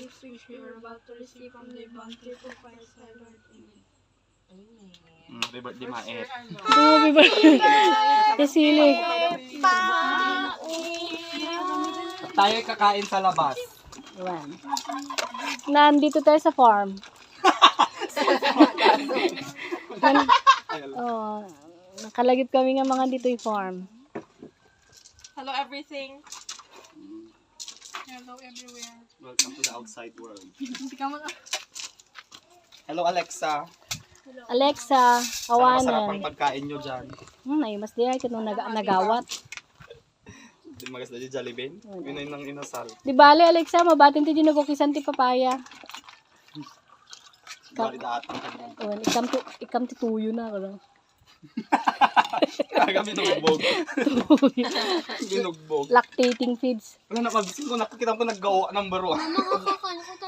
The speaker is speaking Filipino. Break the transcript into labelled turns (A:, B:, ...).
A: gifts which we are about to receive from the bounty of Christ our Lord. Amen.
B: Happy birthday, Maet.
C: Happy birthday. Kasili.
B: Tayo kakain sa labas.
C: Ayan. Nandito tayo sa farm. Oh, nakalagip kami nga mga dito yung farm.
A: Hello everything. Hello everywhere.
B: Welcome to the outside world.
A: Hindi ka mo
B: Hello, Alexa.
C: Alexa,
B: Sana masarap ang
C: awanan.
B: pagkain nyo dyan.
C: Ay, mas di ay katong nagawat.
B: Di magas na dyan, Jollibee. Yun ay nang inasal.
C: Di bale, Alexa, mabatin ti ginugukisan ti papaya.
B: Bari daatang kanyan.
C: Awan, ikam ti tuyo na. Ano?
B: Kaya binugbog. Binugbog.
C: Lactating feeds.
B: Wala na, mabisin ko, nakikita ko naggawa ng baro.